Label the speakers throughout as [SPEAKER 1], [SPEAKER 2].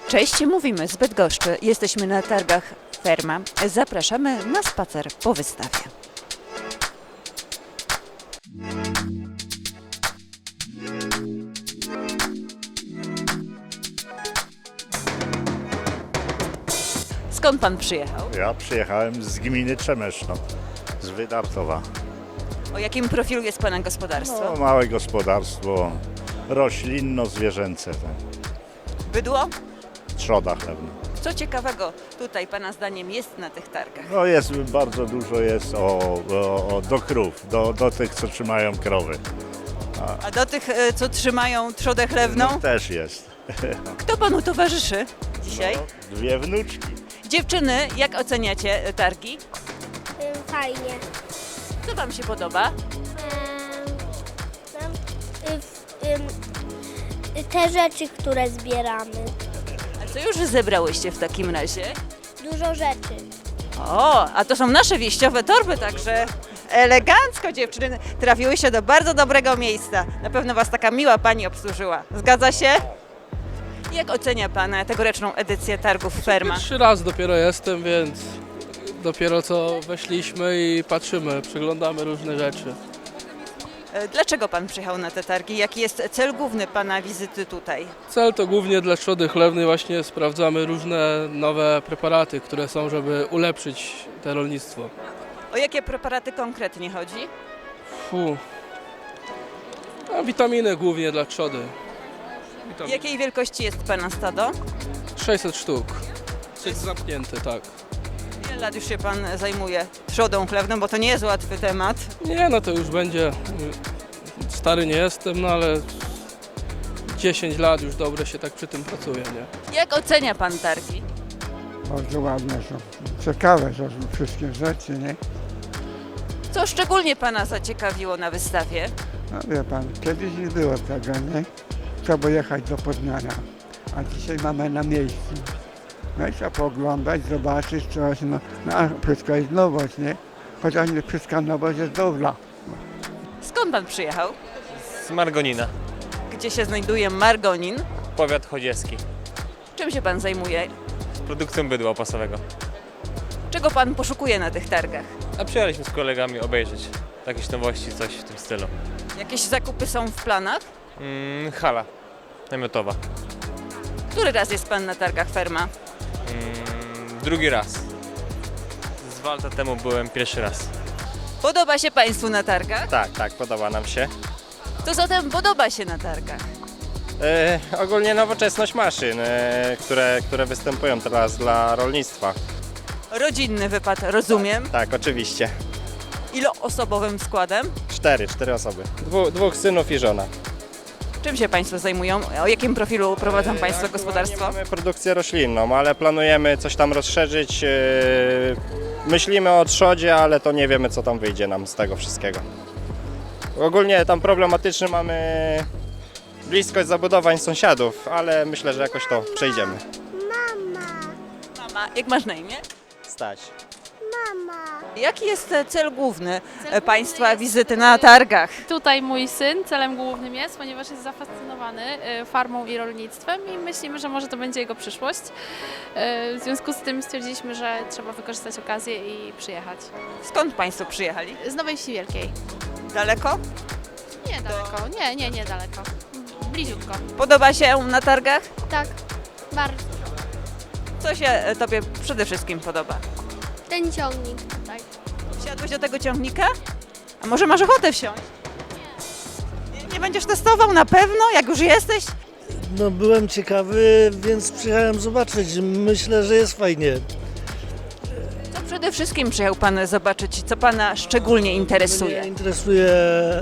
[SPEAKER 1] Cześć, mówimy z Bydgoszczy. Jesteśmy na targach Ferma. Zapraszamy na spacer po wystawie. Skąd pan przyjechał?
[SPEAKER 2] Ja przyjechałem z gminy Trzemeszno, z Wydartowa.
[SPEAKER 1] O jakim profilu jest pana gospodarstwo?
[SPEAKER 2] No, małe gospodarstwo roślinno-zwierzęce, tak.
[SPEAKER 1] Bydło?
[SPEAKER 2] Trzoda chlewna.
[SPEAKER 1] Co ciekawego tutaj pana zdaniem jest na tych targach?
[SPEAKER 2] No jest, bardzo dużo jest do krów, do tych, co trzymają krowy.
[SPEAKER 1] A do tych, co trzymają trzodę chlewną,
[SPEAKER 2] No, też jest.
[SPEAKER 1] kto panu towarzyszy dzisiaj?
[SPEAKER 2] No, dwie wnuczki.
[SPEAKER 1] Dziewczyny, jak oceniacie targi?
[SPEAKER 3] Fajnie.
[SPEAKER 1] Co wam się podoba?
[SPEAKER 3] Te rzeczy, które zbieramy.
[SPEAKER 1] A co już zebrałyście w takim razie?
[SPEAKER 3] Dużo rzeczy.
[SPEAKER 1] O, a to są nasze wieściowe torby, także elegancko dziewczyny trafiły się do bardzo dobrego miejsca. Na pewno was taka miła pani obsłużyła. Zgadza się? Jak ocenia pan tegoroczną edycję targów Ferma?
[SPEAKER 4] Pierwszy raz dopiero jestem, więc dopiero co weszliśmy i patrzymy, przeglądamy różne rzeczy.
[SPEAKER 1] Dlaczego pan przyjechał na te targi? Jaki jest cel główny pana wizyty tutaj?
[SPEAKER 4] Cel to głównie dla trzody chlewnej, właśnie sprawdzamy różne nowe preparaty, które są, żeby ulepszyć to rolnictwo.
[SPEAKER 1] O jakie preparaty konkretnie chodzi?
[SPEAKER 4] A witaminy głównie dla trzody. Witaminy.
[SPEAKER 1] Jakiej wielkości jest pana stado?
[SPEAKER 4] 600 sztuk. Jest zamknięty, tak.
[SPEAKER 1] Ile lat już się pan zajmuje trzodą chlewną, bo to nie jest łatwy temat.
[SPEAKER 4] Nie, no to już będzie, stary nie jestem, no ale 10 lat już dobrze się tak przy tym pracuje, nie?
[SPEAKER 1] Jak ocenia pan targi?
[SPEAKER 5] Bardzo ładne są. Ciekawe są wszystkie rzeczy, nie?
[SPEAKER 1] Co szczególnie pana zaciekawiło na wystawie?
[SPEAKER 5] No wie pan, kiedyś nie było tego, nie? Trzeba jechać do Poznania, a dzisiaj mamy na miejscu. No i trzeba pooglądać, zobaczyć coś, no a wszystko jest nowość, nie? Chociaż nie wszystka nowość jest dobra.
[SPEAKER 1] Skąd pan przyjechał?
[SPEAKER 6] Z Margonina,
[SPEAKER 1] Gdzie się znajduje Margonin?
[SPEAKER 6] powiat chodziecki.
[SPEAKER 1] Czym się pan zajmuje?
[SPEAKER 6] Produkcją bydła opasowego.
[SPEAKER 1] Czego pan poszukuje na tych targach?
[SPEAKER 6] A przyjechaliśmy z kolegami obejrzeć jakieś nowości, coś w tym stylu.
[SPEAKER 1] Jakieś zakupy są w planach?
[SPEAKER 6] Hala namiotowa.
[SPEAKER 1] Który raz jest pan na targach Ferma?
[SPEAKER 6] Drugi raz. Z 2 lata temu byłem pierwszy raz.
[SPEAKER 1] Podoba się państwu na targach?
[SPEAKER 7] Tak, podoba nam się.
[SPEAKER 1] Co zatem podoba się na targach?
[SPEAKER 7] Ogólnie nowoczesność maszyn, które występują teraz dla rolnictwa.
[SPEAKER 1] Rodzinny wypad, rozumiem.
[SPEAKER 7] Tak, oczywiście.
[SPEAKER 1] Iloosobowym składem?
[SPEAKER 7] Cztery osoby. Dwóch synów i żona.
[SPEAKER 1] Czym się państwo zajmują? O jakim profilu prowadzą państwo gospodarstwo?
[SPEAKER 7] Mamy produkcję roślinną, ale planujemy coś tam rozszerzyć. Myślimy o trzodzie, ale to nie wiemy, co tam wyjdzie nam z tego wszystkiego. Ogólnie tam problematyczny mamy bliskość zabudowań sąsiadów, ale myślę, że jakoś to przejdziemy.
[SPEAKER 1] Mama, jak masz na imię?
[SPEAKER 7] Stać.
[SPEAKER 1] Jaki jest cel główny państwa wizyty na targach?
[SPEAKER 8] Tutaj mój syn celem głównym jest, ponieważ jest zafascynowany farmą i rolnictwem i myślimy, że może to będzie jego przyszłość. W związku z tym stwierdziliśmy, że trzeba wykorzystać okazję i przyjechać.
[SPEAKER 1] Skąd państwo przyjechali?
[SPEAKER 8] Z Nowej Wsi Wielkiej.
[SPEAKER 1] Daleko?
[SPEAKER 8] Nie daleko, nie daleko. Bliziutko.
[SPEAKER 1] Podoba się na targach?
[SPEAKER 8] Tak, bardzo.
[SPEAKER 1] Co się tobie przede wszystkim podoba?
[SPEAKER 3] Ten ciągnik tutaj.
[SPEAKER 1] Wsiadłeś do tego ciągnika? A może masz ochotę wsiąść? Nie będziesz testował na pewno, jak już jesteś?
[SPEAKER 9] No byłem ciekawy, więc przyjechałem zobaczyć. Myślę, że jest fajnie.
[SPEAKER 1] Co przede wszystkim przyjechał pan zobaczyć, co pana szczególnie interesuje?
[SPEAKER 9] Mnie interesuje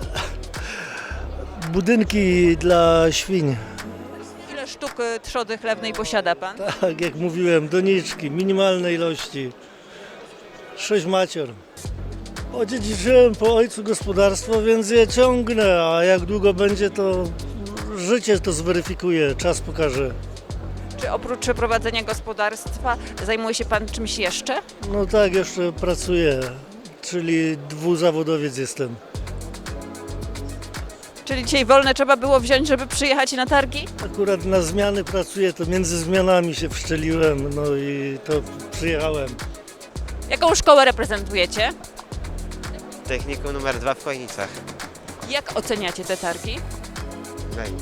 [SPEAKER 9] budynki dla świń.
[SPEAKER 1] Ile sztuk trzody chlewnej posiada pan?
[SPEAKER 9] Tak jak mówiłem, doniczki, minimalnej ilości. 6 macior. Odziedziczyłem po ojcu gospodarstwo, więc je ciągnę, a jak długo będzie, to życie to zweryfikuje, czas pokaże.
[SPEAKER 1] Czy oprócz prowadzenia gospodarstwa zajmuje się pan czymś jeszcze?
[SPEAKER 9] No tak, jeszcze pracuję, czyli dwuzawodowiec jestem.
[SPEAKER 1] Czyli dzisiaj wolne trzeba było wziąć, żeby przyjechać na targi?
[SPEAKER 9] Akurat na zmiany pracuję, to między zmianami się wszczeliłem, no i to przyjechałem.
[SPEAKER 1] Jaką szkołę reprezentujecie?
[SPEAKER 10] Technikum numer 2 w Chojnicach.
[SPEAKER 1] Jak oceniacie te targi?
[SPEAKER 10] Fajnie.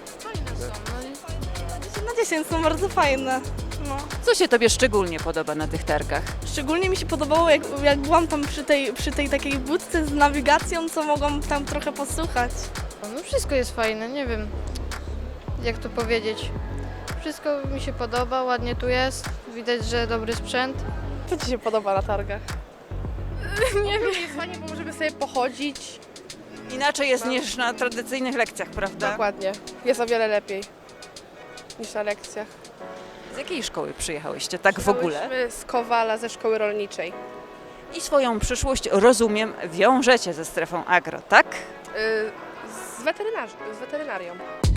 [SPEAKER 11] Na 10 są bardzo fajne. No.
[SPEAKER 1] Co się Tobie szczególnie podoba na tych targach?
[SPEAKER 11] Szczególnie mi się podobało, jak byłam tam przy tej takiej budce z nawigacją, co mogłam tam trochę posłuchać.
[SPEAKER 12] No wszystko jest fajne, nie wiem jak to powiedzieć. Wszystko mi się podoba, ładnie tu jest, widać, że dobry sprzęt.
[SPEAKER 11] Co Ci się podoba na targach?
[SPEAKER 12] Nie wiem, jest fajnie, bo możemy sobie pochodzić.
[SPEAKER 1] Inaczej jest niż na tradycyjnych lekcjach, prawda?
[SPEAKER 11] Dokładnie. Jest o wiele lepiej niż na lekcjach.
[SPEAKER 1] Z jakiej szkoły przyjechałyście tak w ogóle?
[SPEAKER 11] Z Kowala, ze szkoły rolniczej.
[SPEAKER 1] I swoją przyszłość, rozumiem, wiążecie ze strefą agro, tak?
[SPEAKER 11] Z weterynarią.